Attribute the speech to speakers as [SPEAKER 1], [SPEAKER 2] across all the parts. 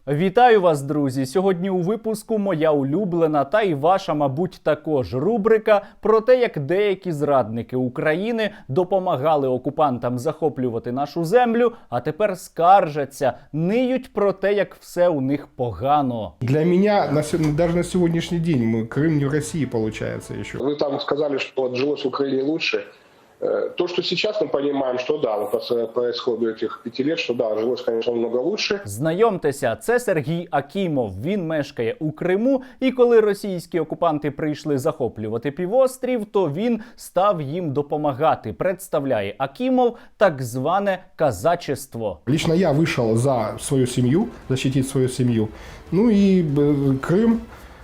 [SPEAKER 1] Вітаю вас, друзі! Сьогодні у випуску моя улюблена та і ваша, мабуть, також рубрика про те, як деякі зрадники України допомагали окупантам захоплювати нашу землю, а тепер скаржаться, ниють про те, як все у них погано.
[SPEAKER 2] Для меня, даже на сегодняшний день, Крым не в России получается еще.
[SPEAKER 3] Вы там сказали, что вот жилось в Украине лучше. То, что сейчас мы понимаем, что да, по исходу этих 5 лет, что да, жилось, конечно, намного лучше.
[SPEAKER 1] Знайомтеся, це Сергій Акімов. Він мешкає у Криму, і коли російські окупанти прийшли захоплювати півострів, то він став їм допомагати. Представляє Акімов так зване казачество.
[SPEAKER 2] Лично я вышел за свою семью, защитить свою семью. Ну и Крым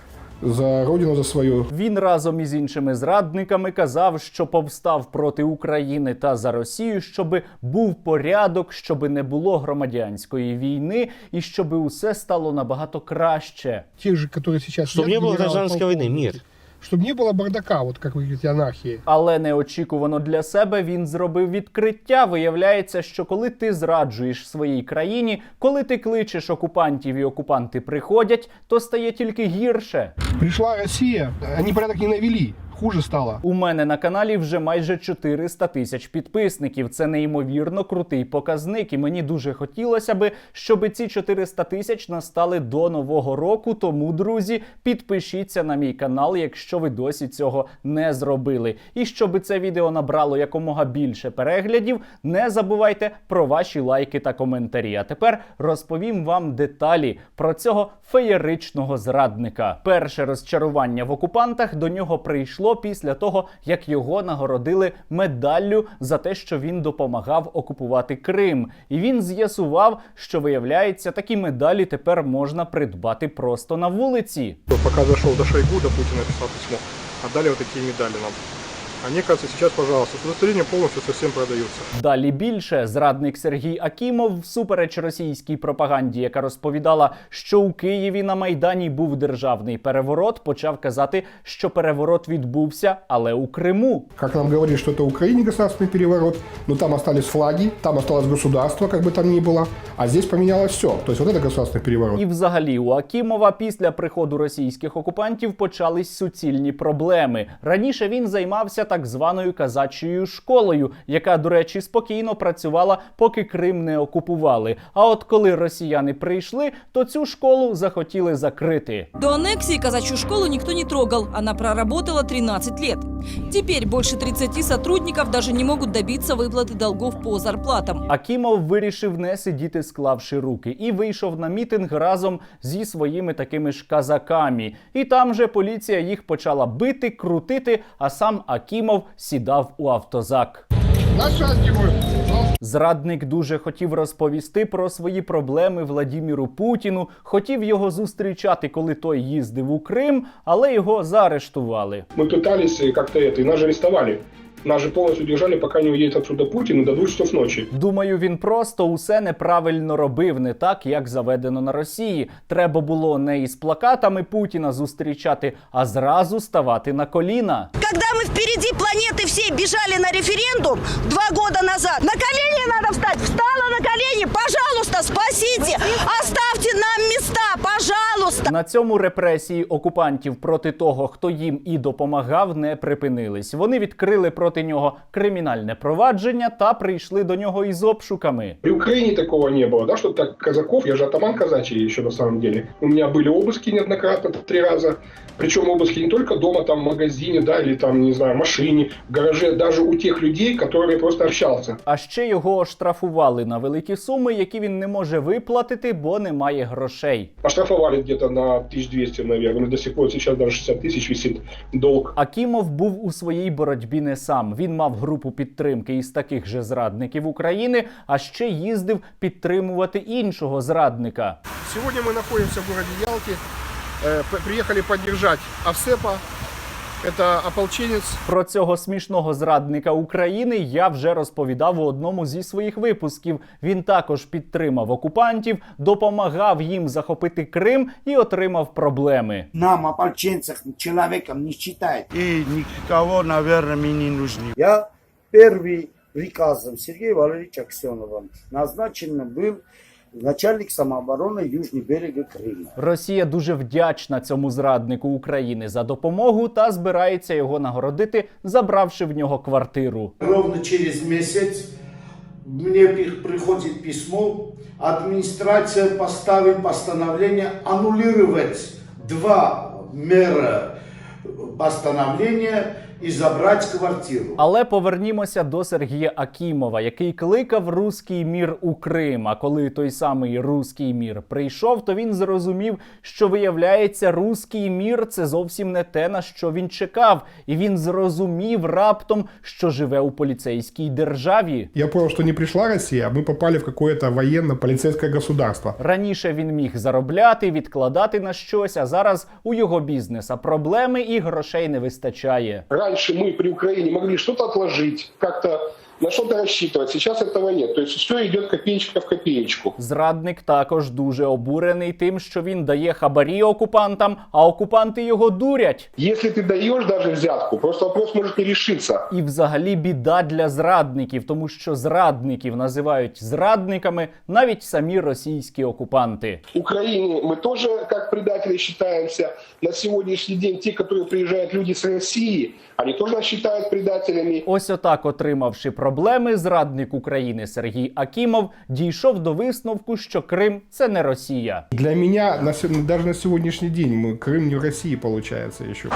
[SPEAKER 2] за родину, за свою.
[SPEAKER 1] Він разом із іншими зрадниками казав, що повстав проти України та за Росію, щоби був порядок, щоби не було громадянської війни і щоби усе стало набагато краще.
[SPEAKER 2] Тех же, которые сейчас...
[SPEAKER 4] Чтобы не было гражданской войны, мир.
[SPEAKER 2] Чтобы не было бардака, вот как вы говорите, анархии.
[SPEAKER 1] Але неочікувано для себе він зробив відкриття. Виявляється, що коли ти зраджуєш своїй країні, коли ти кличеш окупантів і окупанти приходять, то стає тільки гірше.
[SPEAKER 2] Пришла Россия, они порядок не навели. Хуже стало.
[SPEAKER 1] У мене на каналі вже майже 400 тисяч підписників. Це неймовірно крутий показник. І мені дуже хотілося би, щоб ці 400 тисяч настали до Нового року. Тому, друзі, підпишіться на мій канал, якщо ви досі цього не зробили. І щоб це відео набрало якомога більше переглядів, не забувайте про ваші лайки та коментарі. А тепер розповім вам деталі про цього феєричного зрадника. Перше розчарування в окупантах до нього прийшло після того, як його нагородили медаллю за те, що він допомагав окупувати Крим. І він з'ясував, що, виявляється, такі медалі тепер можна придбати просто на вулиці.
[SPEAKER 2] Пока зашел до Шойгу, до Путина писал письмо, отдали вот такие медали нам. Они, кажется, сейчас, пожалуйста, с удостоверением полностью совсем продаются.
[SPEAKER 1] Далі більше. Зрадник Сергій Акімов, всупереч російській пропаганді, яка розповідала, що у Києві на Майдані був державний переворот, почав казати, що переворот відбувся, але у Криму.
[SPEAKER 2] Как нам говорили, что это в Украине государственный переворот, но там остались флаги, там осталось государство, как бы там ни было, а здесь поменялось все. То есть вот это государственный переворот.
[SPEAKER 1] І взагалі у Акімова після приходу російських окупантів почались суцільні проблеми. Раніше він займався так званою казачою школою, яка, до речі, спокійно працювала, поки Крим не окупували. А от коли росіяни прийшли, то цю школу захотіли закрити.
[SPEAKER 5] До аннексии казачью школу никто не трогал. Она проработала 13 лет. Теперь больше 30 сотрудников даже не могут добиться выплаты долгов по зарплатам.
[SPEAKER 1] Акімов вирішив не сидіти, склавши руки, і вийшов на мітинг разом зі своїми такими ж казаками. І там же поліція їх почала бити, крутити, а сам Акімов сідав у автозак. Зрадник дуже хотів розповісти про свої проблеми Владіміру Путіну, хотів його зустрічати, коли той їздив у Крим, але його заарештували.
[SPEAKER 3] Мы пытались как-то это, и нас же арестовали. Нас же полностью держали, пока не уедет отсюда Путин, до 2 часов ночи.
[SPEAKER 1] Думаю, він просто усе неправильно робив, не так, як заведено на Росії. Треба було не із плакатами Путіна зустрічати, а зразу ставати на коліна.
[SPEAKER 6] Когда мы впереди планеты всей бежали на референдум 2 года назад, на колени надо встать. Встала на колени, пожалуйста, спасите, оставьте нам места, пожалуйста.
[SPEAKER 1] На цьому репресії окупантів проти того, хто їм і допомагав, не припинились. Вони відкрили проти нього кримінальне провадження та прийшли до нього із обшуками.
[SPEAKER 3] При Украине такого не было, да, что так казаков, я же атаман казачий еще на самом деле. У меня были обыски неоднократно, 3 раза. Причем обыски не только дома, там в магазине, да, или там, не знаю, в машине, в гараже, даже у тех людей, с которыми я просто общался.
[SPEAKER 1] А ще його оштрафували на великі суми, які він не може виплатити, бо немає грошей.
[SPEAKER 3] Оштрафовали где-то на 1200, наверное, до сих пор сейчас даже 60 тысяч висит долг.
[SPEAKER 1] Акімов був у своїй боротьбі не сам. Він мав групу підтримки із таких же зрадників України, а ще їздив підтримувати іншого зрадника.
[SPEAKER 2] Сегодня мы находимся в городе Ялте, приехали поддержать Овсепа. Это ополченец.
[SPEAKER 1] Про цього смішного зрадника України я вже розповідав у одному зі своїх випусків. Він також підтримав окупантів, допомагав їм захопити Крим і отримав проблеми.
[SPEAKER 7] Нам, ополченцев, человеком не считает.
[SPEAKER 4] И никого, наверное, мне не нужны.
[SPEAKER 7] Я первый приказом Сергея Валерьевича Аксенова назначен был Начальник самообороны Южный берег Крыма.
[SPEAKER 1] Росія дуже вдячна цьому зраднику України за допомогу та збирається його нагородити, забравши в нього квартиру.
[SPEAKER 8] Ровно через месяц мне приходит письмо, администрация поставит постановление аннулировать 2 мэра постановления і забрати квартиру.
[SPEAKER 1] Але повернімося до Сергія Акімова, який кликав руський мір у Крим. А коли той самий руський мір прийшов, то він зрозумів, що виявляється, руський мір – це зовсім не те, на що він чекав. І він зрозумів раптом, що живе у поліцейській державі.
[SPEAKER 2] Я понял, что не пришла Россия, а мы попали в какое-то военно-полицейское государство.
[SPEAKER 1] Раніше він міг заробляти, відкладати на щось, а зараз у його бізнеса проблеми і грошей не вистачає.
[SPEAKER 3] Раньше мы при Украине могли что-то отложить, как-то на что-то рассчитывать. Сейчас этого нет. То есть все идет копеечка в копеечку.
[SPEAKER 1] Зрадник також дуже обурений тим, що він дає хабарі окупантам, а окупанти його дурять.
[SPEAKER 3] Если ты даешь даже взятку, просто вопрос может не решиться.
[SPEAKER 1] І взагалі біда для зрадників, тому що зрадників називають зрадниками навіть самі російські окупанти.
[SPEAKER 3] Украине мы тоже как предатели считаемся. На сегодняшний день те, которые приезжают люди с России, они тоже нас считают предателями.
[SPEAKER 1] Ось отак, отримавши проблеми, зрадник України Сергій Акімов дійшов до висновку, що Крим – це не Росія.
[SPEAKER 2] Для меня даже на сегодняшний день Крым не в России получается еще.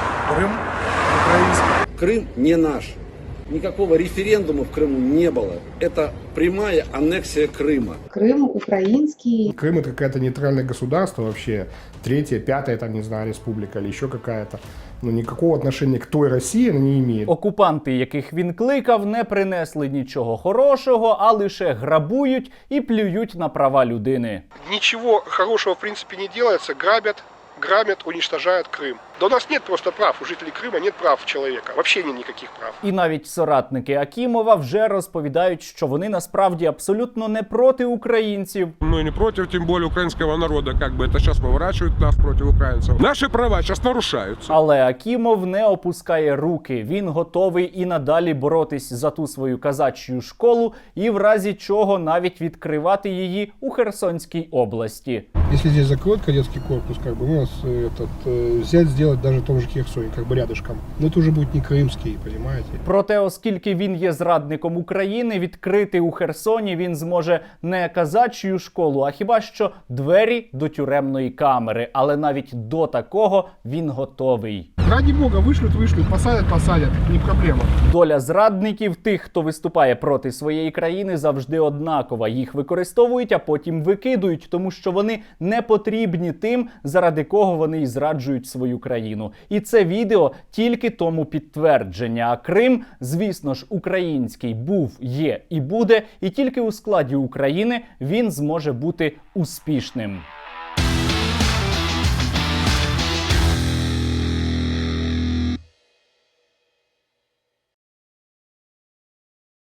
[SPEAKER 9] Крым не наш. Никакого референдума в Крыму не было. Это прямая аннексия Крыма.
[SPEAKER 10] Крым украинский.
[SPEAKER 2] Крым это какое-то нейтральное государство вообще, 3-я, 5-я, там, не знаю, республика или еще какая-то. Но никакого отношения к той России она не имеет.
[SPEAKER 1] Окупанти, яких він кликав, не принесли нічого хорошого, а лише грабують і плюють на права людини.
[SPEAKER 3] Ничего хорошего в принципе не делается. Грабят, уничтожают Крым. Да у нас нет просто прав. У жителей Крыма нет прав человека. Вообще нет никаких прав.
[SPEAKER 1] І навіть соратники Акімова вже розповідають, що вони насправді абсолютно не проти українців.
[SPEAKER 11] Мы не против, тем более украинского народа. Как бы это сейчас поворачивают нас против украинцев. Наши права сейчас нарушаются.
[SPEAKER 1] Але Акімов не опускає руки. Він готовий і надалі боротись за ту свою казачью школу і в разі чого навіть відкривати її у Херсонській області.
[SPEAKER 2] Если здесь закроют кадетский корпус, как бы, нас взять, сделать даже в том же Херсоне, как бы рядышком. Но это уже будет не крымский, понимаете?
[SPEAKER 1] Проте, оскільки він є зрадником України, відкрити у Херсоні він зможе не казачью школу, а хіба що двері до тюремної камери. Але навіть до такого він готовий.
[SPEAKER 2] Ради бога, вышлют, посадят, не проблема.
[SPEAKER 1] Доля зрадників, тих, хто виступає проти своєї країни, завжди однакова. Їх використовують, а потім викидують, тому що вони не потрібні тим, заради кого вони і зраджують свою країну. І це відео тільки тому підтвердження. А Крим, звісно ж, український був, є і буде, і тільки у складі України він зможе бути успішним.